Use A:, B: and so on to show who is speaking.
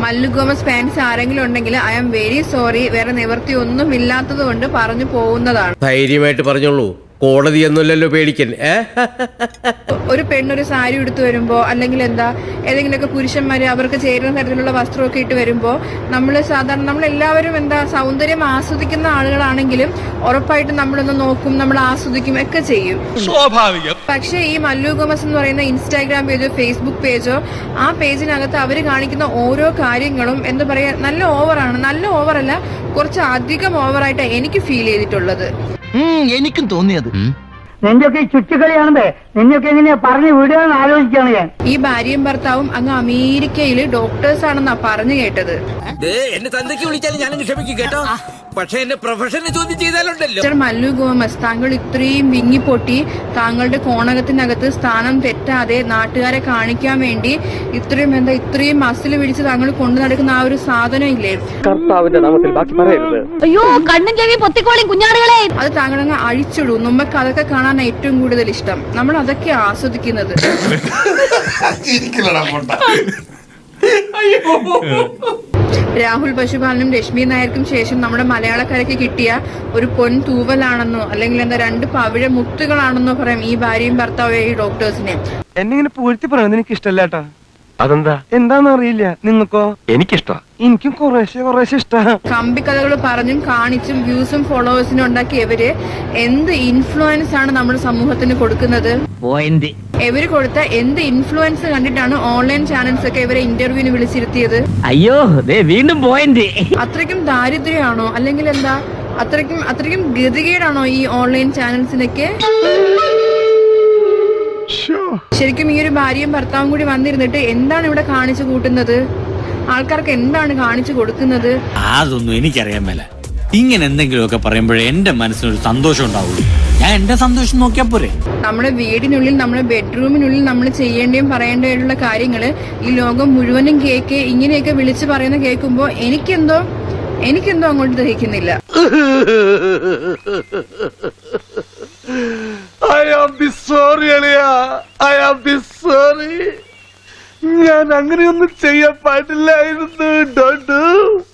A: Mallu Gomez fans ആരെങ്കിലും ഉണ്ടെങ്കിൽ I am very sorry, വേറെ നിവൃത്തി ഒന്നും ഇല്ലാത്തത് കൊണ്ട് പറഞ്ഞു പോകുന്നതാണ്.
B: ധൈര്യമായിട്ട് പറഞ്ഞോളൂ, കോടതിയൊന്നുമല്ലല്ലോ പേടിക്കൻ.
A: ഒരു പെണ്ണൊരു സാരി എടുത്തു വരുമ്പോ അല്ലെങ്കിൽ ഏതെങ്കിലുമൊക്കെ പുരുഷന്മാര് അവർക്ക് ചേരുന്ന തരത്തിലുള്ള വസ്ത്രമൊക്കെ ഇട്ട് വരുമ്പോ നമ്മളെല്ലാവരും സൗന്ദര്യം ആസ്വദിക്കുന്ന ആളുകളാണെങ്കിലും ഉറപ്പായിട്ടും നമ്മളൊന്ന് നോക്കും, നമ്മൾ ആസ്വദിക്കും ഒക്കെ ചെയ്യും, സ്വാഭാവികം. പക്ഷെ ഈ മല്ലു ഗോമസ് എന്ന് പറയുന്ന ഇൻസ്റ്റാഗ്രാം പേജോ ഫേസ്ബുക്ക് പേജോ ആ പേജിനകത്ത് അവര് കാണിക്കുന്ന ഓരോ കാര്യങ്ങളും എന്താ പറയാ, നല്ല ഓവറാണ്. നല്ല ഓവറല്ല, കുറച്ച് അധികം ഓവറായിട്ടാണ് എനിക്ക് ഫീൽ ചെയ്തിട്ടുള്ളത്.
C: എനിക്കും തോന്നിയത്
D: നിന്റെയൊക്കെ ചുറ്റുകളിയാണേ, നിന്നെയൊക്കെ എങ്ങനെയാ പറഞ്ഞു വിടുകയെന്ന് ആലോചിക്കാണ് ഞാൻ.
A: ഈ ഭാര്യയും ഭർത്താവും അങ്ങ് അമേരിക്കയില് ഡോക്ടേഴ്സ് ആണെന്നാ പറഞ്ഞു കേട്ടത്.
B: എന്നെ തന്തയ്ക്ക് വിളിച്ചാലും ഞാൻ ക്ഷമിക്കും കേട്ടോ, പക്ഷെ എന്റെ പ്രൊഫഷനെ ചോദ്യം ചെയ്താലുണ്ടല്ലോ.
A: മല്ലു ഗോമസ്, താങ്കൾ ഇത്രയും വിങ്ങിപ്പൊട്ടി താങ്കളുടെ കോണകത്തിനകത്ത് സ്ഥാനം തെറ്റാതെ നാട്ടുകാരെ കാണിക്കാൻ വേണ്ടി ഇത്രയും മസിൽ പിടിച്ച് താങ്കൾ കൊണ്ടു നടക്കുന്ന ആ ഒരു സാധനം ഇല്ലേ,
E: കർത്താവിന്റെ നാമത്തിൽ ബാക്കി പറയരുത്.
F: അയ്യോ കണ്ണും ചെവി പൊത്തിക്കോളിയും കുഞ്ഞാടുകളെ,
A: അത് താങ്കളങ്ങ് അഴിച്ചിടും. നമുക്ക് അതൊക്കെ കാണാൻ ഏറ്റവും കൂടുതൽ ഇഷ്ടം. നമ്മൾ അതൊക്കെ ആസ്വദിക്കുന്നത്. രാഹുൽ പശുപാലനും രശ്മി നായർക്കും ശേഷം നമ്മുടെ മലയാളക്കരയ്ക്ക് കിട്ടിയ ഒരു പൊൻ തൂവലാണെന്നോ അല്ലെങ്കിൽ രണ്ട് പവിഴ മുത്തുകളാണെന്നോ പറയാം ഈ ഭാര്യയും ഭർത്താവും ഈ ഡോക്ടേഴ്സിനെ.
E: എന്നെ പൂഴ്ത്തി പറയുന്നത് എനിക്ക് ഇഷ്ടമല്ലാട്ടാ.
C: അതെന്താ?
E: എന്താന്ന് അറിയില്ല. നിങ്ങൾക്കോ?
C: എനിക്കിഷ്ടാ.
E: എനിക്കും കുറേശ്ശെ ഇഷ്ടാ.
A: കമ്പിക്കഥകൾ പറഞ്ഞും കാണിച്ചും വ്യൂസും ഫോളോവേഴ്സിനും ഉണ്ടാക്കിയ ഇവര് എന്ത് ഇൻഫ്ലുവൻസ് ആണ് നമ്മുടെ സമൂഹത്തിന് കൊടുക്കുന്നത്? ഇവര് കൊടുത്ത എന്ത് ഇൻഫ്ലുവൻസ് കണ്ടിട്ടാണ് ഓൺലൈൻ ചാനൽസ് ഒക്കെ ഇവരെ ഇന്റർവ്യൂവിന് വിളിച്ചിരുത്തിയത്?
C: അയ്യോ വീണ്ടും പോയിന്റ്.
A: അത്രയ്ക്കും ദാരിദ്ര്യമാണോ അല്ലെങ്കിൽ അത്രയ്ക്കും ഗതികേടാണോ ഈ ഓൺലൈൻ ചാനൽസിനൊക്കെ? ശരിക്കും ഈ ഒരു ഭാര്യയും ഭർത്താവും കൂടി വന്നിരുന്നിട്ട് എന്താണ് ഇവിടെ കാണിച്ചു കൂട്ടുന്നത്? ആൾക്കാർക്ക് എന്താണ് കാണിച്ചു കൊടുക്കുന്നത്?
G: അതൊന്നും എനിക്കറിയാൻ മേല. ഇങ്ങനെ എന്തെങ്കിലുമൊക്കെ പറയുമ്പോഴേ എന്റെ മനസ്സിനൊരു സന്തോഷം ഉണ്ടാവുള്ളൂ. ഞാൻ എന്റെ സന്തോഷം നോക്കിയാ പോരെ. നമ്മുടെ
A: വീടിനുള്ളിൽ, നമ്മുടെ ബെഡ്റൂമിനുള്ളിൽ നമ്മൾ ചെയ്യേണ്ടയും പറയേണ്ടതായിട്ടുള്ള കാര്യങ്ങള് ഈ ലോകം മുഴുവനും ഇങ്ങനെയൊക്കെ വിളിച്ചു പറയുന്ന കേൾക്കുമ്പോ എനിക്കെന്തോ അങ്ങോട്ട് ദഹിക്കുന്നില്ല.
E: ഞാൻ അങ്ങനെയൊന്നും ചെയ്യാൻ പാടില്ലായിരുന്നു.